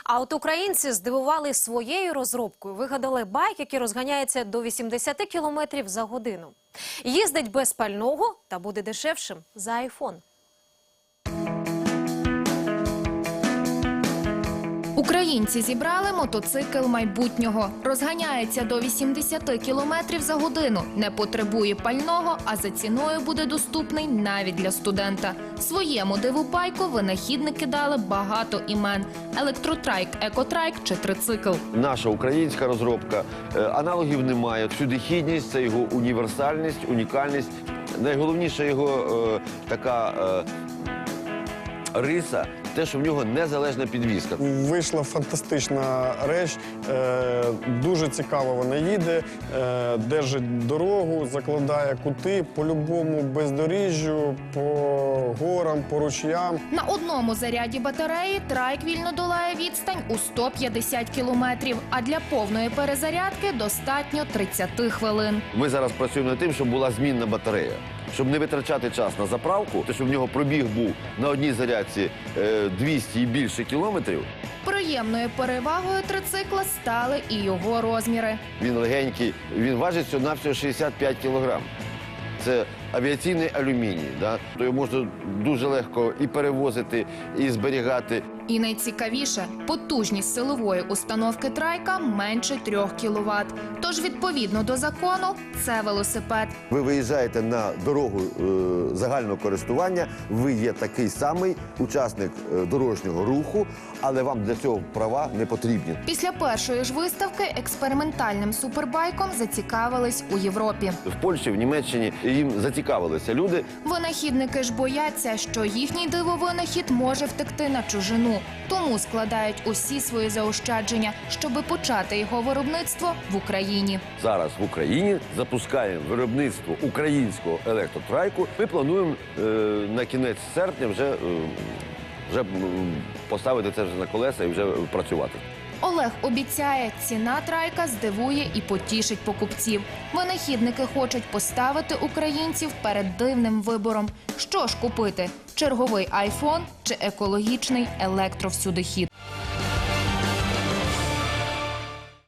А от українці здивували своєю розробкою. Вигадали байк, який розганяється до 80 кілометрів за годину. Їздить без пального та буде дешевшим за айфон. Українці зібрали мотоцикл майбутнього. Розганяється до 80 кілометрів за годину, не потребує пального, а за ціною буде доступний навіть для студента. Своєму диву-байку винахідники дали багато імен – електротрайк, екотрайк чи трицикл. Наша українська розробка, аналогів немає. Всюдихідність – це його універсальність, унікальність. Найголовніша його така риса – те, що в нього незалежна підвізка. Вийшла фантастична реч, дуже цікаво вона їде, держить дорогу, закладає кути по любому бездоріжжю, по горам, по ручям. На одному заряді батареї трайк вільно долає відстань у 150 кілометрів, а для повної перезарядки достатньо 30 хвилин. Ми зараз працюємо над тим, щоб була змінна батарея. Щоб не витрачати час на заправку, то щоб в нього пробіг був на одній зарядці 200 і більше кілометрів. Приємною перевагою трицикла стали і його розміри. Він легенький, він важить всього-навсього 65 кілограм. Це авіаційний алюміній, да? То його можна дуже легко і перевозити, і зберігати. І найцікавіше – потужність силової установки трайка менше 3 кВт. Тож, відповідно до закону, це велосипед. Ви виїжджаєте на дорогу загального користування, ви є такий самий учасник дорожнього руху, але вам для цього права не потрібні. Після першої ж виставки експериментальним супербайком зацікавились у Європі. В Польщі, в Німеччині їм зацікавилися люди. Винахідники ж бояться, що їхній дивовинахід може втекти на чужину. Тому складають усі свої заощадження, щоби почати його виробництво в Україні. Зараз в Україні запускаємо виробництво українського електротрайку. Ми плануємо на кінець серпня вже поставити це вже на колеса і вже працювати. Олег обіцяє, ціна трайка здивує і потішить покупців. Винахідники хочуть поставити українців перед дивним вибором. Що ж купити – черговий айфон чи екологічний електровсюдихід?